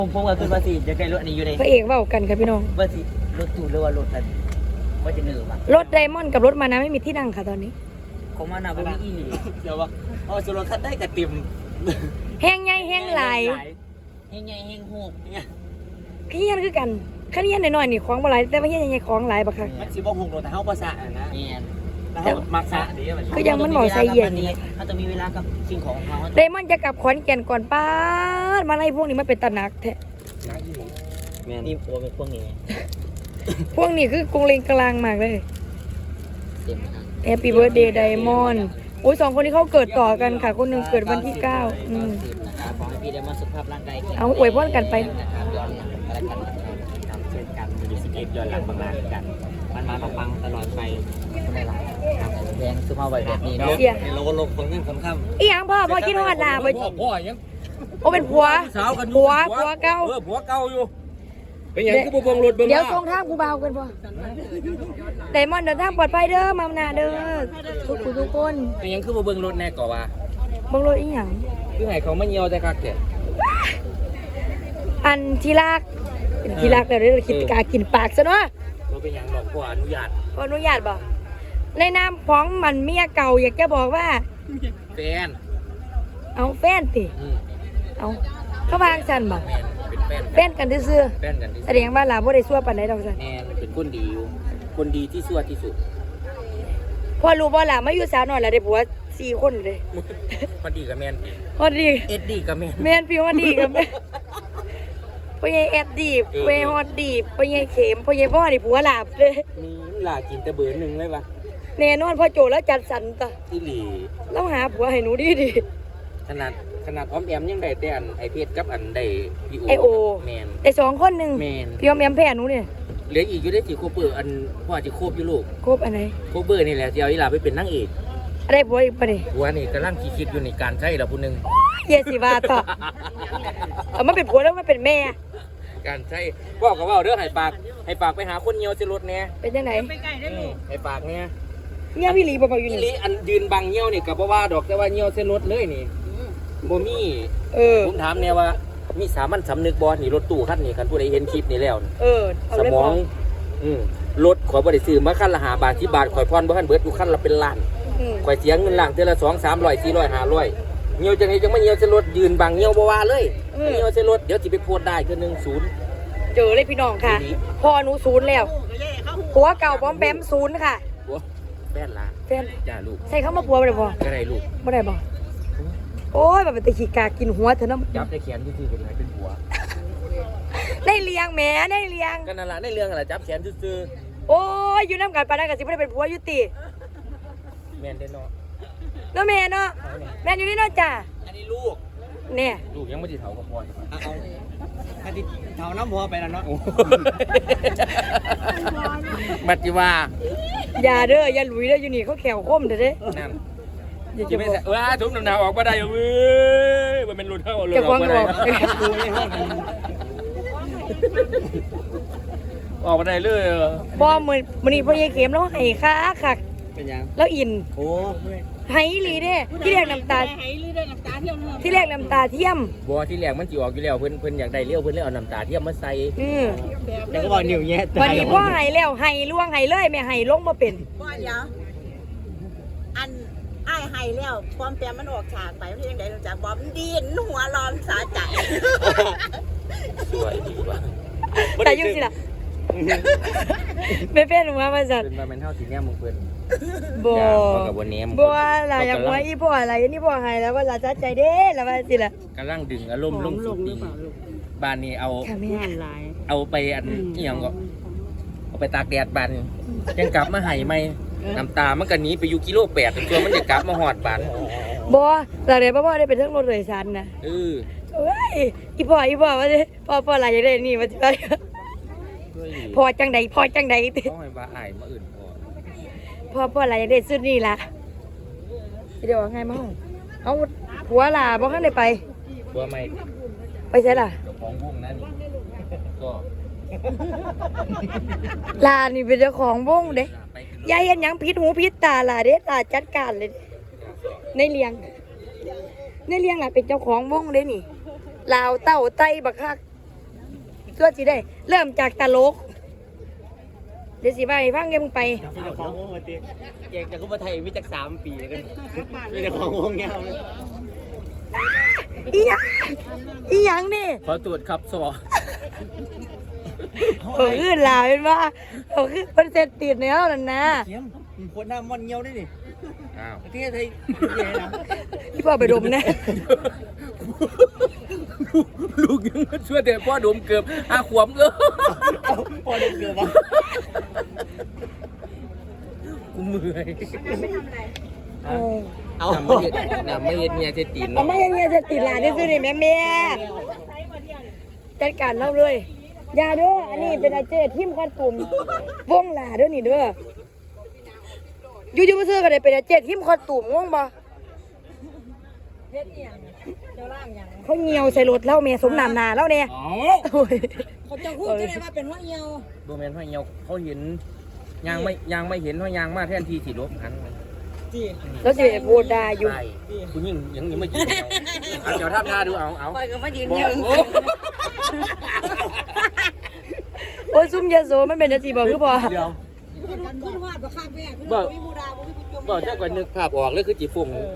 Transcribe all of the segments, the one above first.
ผมก็คือว่าสิจะใกล้รถอันนี้อยู่ในพระเอกเว้ากันครับพี่น้องว่าสิรถตู้หรือว่ารถอันว่าจะเหนื่อยมั้งรถไดมอนด์กับรถมานะไม่มีที่นั่งค่ะตอนนี้ของมานาบ่มีอีหลีเดี๋ยวว่าเอาสุรคันได้กระติ่มแห้งใหญ่แห้งหลายแห้งใหญ่แห้งโหกเนี่ยขี้เหี้ยนคือกันขี้เหี้ยนน้อยๆนี่ของบ่หลายแต่ว่าเหี้ยนใหญ่ๆของหลายบักคักมันสิบ่หงโดนแต่เฮาบ่สะนะแล้วเฮามักสะดีมันคือยังมันบอกใส่เหยียดเขาต้องมีเวลากับสิ่งของเขาไดมอนด์จะกลับขอนแก่นก่อนป้าดมาไล่พวกนี้มาเป็นตะหนักแท้แม่นี่ตัวเป็นพวกนี้พวกนี้คือกรุงเลงกลางมากเลยเต็มทาง Happy Birthday Diamond โอ้ย2คนนี้เขาเกิดต่อกันค่ะคนหนึ่งเกิดวันที่9 นะครับขอให้พี่ได้มาสุขภาพร่างกายแข็งเอาอวยพรกันไปนะครับย้อนหลังอะไรกันนะครับเช่นกันมีสเก็ตย้อนหลังบางลากันมันมาปังตลอดไปคนได้หลายครับแดงซื้อมาไว้แบบนี้เนาะเสียเราก็ลงคนเงินคนข้ามอีหยังพ่อคิดฮอดล่ะบ่พ่อยังโอ้เป็นผัวสาวกันอยู่ผัวเก่าผัวเก่าอยู่เป็นอย่างคือบ่เบิ่งรถเบิ่งเดี๋ยวส่งทางกูเบากันพ่อไดมอนด์เดินทางปลอดภัยเด้อมาหน้าเด้อทุกคนเป็นอย่างคือบ่เบิ่งรถแน่ก่อว่าเบิ่งรถอีหยังคือให้เขามาเหี่ยวแต่คักแท้อันที่รักเป็นที่รักแล้วเด้อคิดกากินปากซะเนาะบ่เป็นหยังดอกพ่ออนุญาตขออนุญาตบ่ในนามของมันเมียเก่าอยากจะบอกว่าแฟนเอาแฟนติเอาเขาวางซั่นบ่แม่นเป็นแฟนแฟนกันซื่อแฟนกันที่ๆแสดงว่าหลาบ่ได้ซั่วปานใดดอกซั่นแม่นเป็นคนดีอยู่คนดีที่สุดที่สุดพอรู้บ่ล่ะมาอยู่สาวน้อยแล้วได้ผัว4คนเลยพอดีกับแม่นพอดีเอ็ดดีกับแม่นแม่นพี่ฮอดดีกับแม่พ่อใหญ่แอดดีพ่อใหญ่ฮอดดีพ่อใหญ่เข็มพ่อใหญ่พ่อนี่ผัวหลาบเลยมีหลากินแต่เบอร์หนึงเลยว่ะแน่นอนพ่อโจแล้วจัดสรรตะอีหลีแล้วหาผัวให้หนูดีขนาดอ้อมแอมยังได้แต่อันไอเพชรกับอันได้พี่ไอโอแม่นได้2คนหนึงแม่นพี่ออมแอมแพ้หนูเนี่ยเหลืออีกอยู่ได้สิโคเบอร์อันพ่อจะโคบอยู่ลูกครบอันไหนโคเบอร์นี่แหละจะเอาอีหลาไปเป็นนางเอกอะไรผัวอีกปะนี่หัวนี่กำลังคิดอยู่ในการใช้ละผู้หนึงเยสิว่าต่อเอามาเป็นผัวแล้วมาเป็นแม่การใช้บอกกับว่าเด้อให้ฝากไปหาคนเหี่ยวสิรถแน่เป็นจังไหนให้ฝากเนี่ยเงี้ยพี่หลีบ่อยู่อีนี่หลีอันยืนบังเหี่ยวนี่ก็บ่ว่าดอกแต่ว่าเหี่ยวสิรถเลยนี่บ่มี ผมถามแน่ว่ามีสามัญสำนึกบ่นี่รถตู้คันนี้คันผู้ใดเห็นคลิปนี้แล้วเอาสเลยมองรถข่อยบ่ได้ซื้อมาคันละ5 บาท10 บาทข่อยพรบ่ทันเบิดอยู่คันละเป็นล้าน ข่อยเสียเงินล่างเทื่อละ200 300 400 500เหี่ยวจังไดจังมาเหี่ยวใส่รถยืนบังเหี่ยวบ่ว่าเลยเหี่ยวใส่รถเดี๋ยวสิไปโพสต์ได้คือ10 เจอเลยพี่น้องค่ะพ่อหนูศูนย์แล้วผัวเก่าบอมแบมศูนย์ค่ะผัวแฟนล่ะแฟนจ้าลูกใส่เข้ามาผัวบ่ได้บ่ก็ได้ลูกบ่ได้บ่โอ้ยแบบเป็นตะขี้กากินหัวเถอะเนาะจับได้แขนซื่อๆเป็นไงเป็นผัวได้เลี้ยงแหม่ได้เลี้ยงก็นั่นล่ะในเรื่องอะไรจับแขนซื่อโอ้ยอยู่น้ำกันปานนั้นก็สิบ่ได้เป็นผัวอยู่ติๆแม่นได้เนาะเนาะแม่เนาะแม่อยู่นี่เนาะจ้าอันนี้ลูกเนี่ยลูกยังไม่สิเฒ่ากับพ่ออยู่เอาอันนี้เท่าน้ำหัวไปแล้วเนาะบัดจิว่าอย่าเด้ออย่าหลุยเด้ออยู่นี่เขาแขวคมเด้อเด้นั่นอย่าจะจะไม่บอกใส่ถุงน้ำหนาวออกมาได้เว้ยมันเป็นรถเท่ารถจะอควอง กมาอได้อกออกมาได้เลยบ่มื้อนี้พ่อใหญ่เข็มแล้วให้คักคักเป็นยังแล้วอินโอ้ให้อีหลีเด้ที่แรกน้ำตาที่แรกน้ำตาเทียมบัวที่แรกมันจิออกอยู่แล้วเพิ่นอยากได้เลี้ยวเพิ่นเลยเอาน้ำตาเทียมมาใส่เดี๋ยวก็บอกนิ้วแย่วันนี้พ่อให้แล้วให้ล่วงให้เลยแม่ให้ลงบ่เป็นบ่เดี๋ยวอันอ้ายให้แล้วความแปรมันออกฉากไปมันยังไงรู้จักบอมนดินหัวร้อนสาใจสวยดีว่ะแต่ยุ่งสิล่ะไม่เป็นหัวมาสั่นเป็นมาเป็นเท่าสีแนมมึงเพิ่นบ่กับวันนี้บ่ล่ะอยากหัวอีพ่ออะไรอันนี้พ่อให้แล้วว่าจะใจเด้แล้วว่าสิล่ะกำลังดึงอารมณ์ลงสุดดีบ้านนี้เอาค่ะแม่เอาไปอันเอียงก็เอาไปตากแดดบ้านยังกลับมาให้ไหมน้ำตามันก็หนีไปอยู่กิโล8ตัวมันจะกลับมาหอดบ้านบ่หลังจากพ่อได้เป็นเรื่องรถโดยสารนะเออเอ้ยอีพ่อว่าสิพ่ออะไรอยากได้นี่ว่าสิไปด้วยดีพ่อจังใดพ่อจังใดติต้องให้ว่าอายมาอื่นพอพ่ออะไรอยากได้สุดนี่ล่ะเดี๋ยวว่าไงมาเอาผัวล่ะบ่ทันได้ไปตัวไม่ไปใช่ล่ะเจ้าของวงนั่นก็ลานี่เป็นเจ้าของวงเด้ไปขึ้นยายเห็นหยังผิดหูผิดตาล่ะเด้ตาจัดการเลย ในเลี้ยงล่ะเป็นเจ้าของวงเด้นี่ลาวเต้าไต้บักคักส่วนสิได้ เริ่มจากตลก เดี๋ยวสิไปฟังเกมไปมีแต่ของวงมาตีเก่งแต่ก็มาไทยมีจาก3 ปีกันมีแต่ของวงเงาอีหยังอีหยังนี่ขอตรวจครับสวเขาขึ้นลาวเป็นว่าเขาขึ้นเปอร์เซ็นต์ติดในแล้วนั่นนะเขียมคนหน้ามอนเงี้ยวได้นี่อ้าวประเทศไทยพี่พ่อไปดมนะลูกยังมาช่วยแต่พ่อดมเกือบ5 ขวบเออพอเด็กเกือบกูเมื่อยเอาน้ำไม่เห็ดน้ำไม่เห็ดเมียจะตีนเอามาอย่างเงี้ยจะติดหลานที่ซื้อนี่แม่แม่จัดการเล่าเลยอย่าเด้ออันนี้เป็นอาเจทิมคอนตุ่มวงหลาเด้อนี่เด้ออยู่ๆมาซื้อกันเลยเป็นอาเจทิมคอนตุ่มงงบ่เขาเหี่ยวใส่รถเล่าแม่สมน้ำหนาเล่าเนี่ยอ๋อโอ้ยเขาจะพูดจะได้ว่าเป็นว่าเอียวโดแมนพ่อเหี่ยวเขาเห็นยางไม่เห็นว่ายางมาแทนที่สิลบหันแล้วสิไปพูดได้อยู่ใช่กูยิ่งยังไม่ยิงเอาเดี๋ยวท่าดูเอาคอยก็มายืนบอยักนโอ้โอ้ยซุ่มยาโสมันเป็นอาชีพบ่คือบ่เดี๋ยวขึ้นวาดบ่ข้างแม่ขึ้นบอกวิบูดาบ่วิบูจมบอกเจ้าก่อนนึกภาพออกเลยคือจีฝุ่งแบบ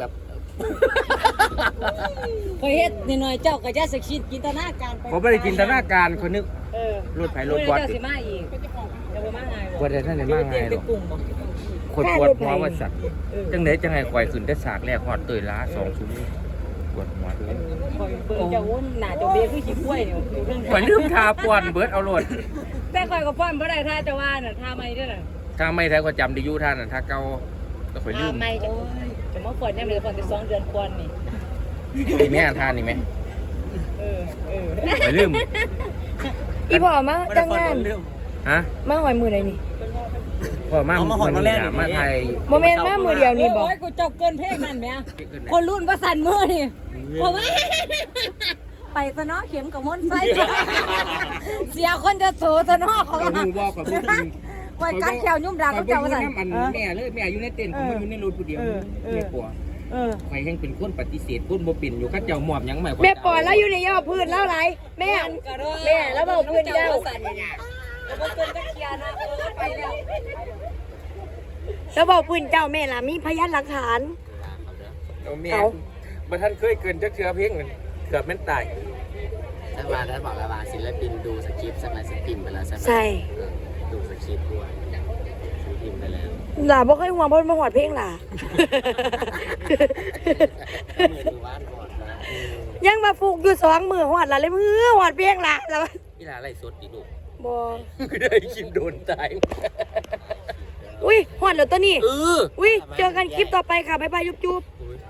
คอยเฮ็ดนิดหน่อยเจ้าก็จะสักชิดจินตนาการไปผมไม่ได้จินตนาการคนนึกเออรถไฟรรถถบอดเจ้าสิมาอีกจะบ่มาไงปวดท่านไหนมากไงหรอกกลุ่มบ่คนปวดหัวว่าสัตว์จังไหนจังไงควายขึ้นได้ฉากแรกหอดเตยล้า2 ชั่วโมงปวดหัวเลยคอยเบิ่งเจ้าวุ่นหน้าเจ้าเบี้ยคือขี้ป่วยอยู่เรื่องข่อยลืมทาปวนเบิร์ดเอาโลดแต่คอยก็ป้อนบ่ได้ท่าจะว่าน่ะท่าไม่ด้วยน่ะถ้าไม่แท้ก็จำได้อยู่ท่านน่ะถ้าเก่าก็ข่อยลืมไม่จะจะมาป้อนยังเหลือป้อนได้2 เดือนก่อนนี่นี่แม่ท่านนี่ไหมเออข่อยลืมอีพ่อมาจังงานฮะมาหอยมือใดนี่พ่อมามาไทยบ่แม่นมามือเดียวนี่บ่โอ้ยกูเจ้าเกินเพลงนั่นแหมคนรุ่นว่าสั่นมือนี่เพราะว่า ไปซะเนาะเข็มกับมนไส้เสียคนจะโสซะเนาะเขาก็รู้บอกกับพูดจริงไว้กัดแขวยุ่มดังข่อเขายบ่เจ้าอยู่ว่าสั่นน้ำอันแม่เลยแม่อยู่ในเต็นท์ผมอยู่ในรถผู้เดียวแม่ปัวเออใครแห่งเป็นคนปฏิเสธคนบ่เป็นอยู่ข้าเจ้าหมอบหยังใหม่แม่ปอยแล้วอยู่ในยอดพื้นแล้วไรแม่แม่แล้วบอกพื้นเจ้าแล้วบ่เกินตะเคียนนะไปแล้วแล้วบอกพื้นเจ้าแม่ล่ะมีพยานหลักฐานเอาแม่บ่ท่านเคยเกินจักเทื่อเพียงเกือบแม่นตายถ้าบอกแล้วว่าศิลปินดูสคริปต์สมัยสคริปต์ไปแล้วใช่ไหมใช่ดูสคริปต์ด้วยสคริปต์ไปแล้วหล่าบ่เคยห่วงเพราะมาหอดเพลงหล่ามือดูว่านก่อนนะยังมาฟูกอยู่2 มือหอดล่ะเลยมือหอดเพลงหล่ะแล้วนี่ล่ะไล่สดดิลูกบ่ก็ได้คิมโดนตายอุ้ยหอดแล้วตัวนี้เอออุ้ยเจอกันคลิปต่อไปค่ะบ๊ายบายจุ๊บ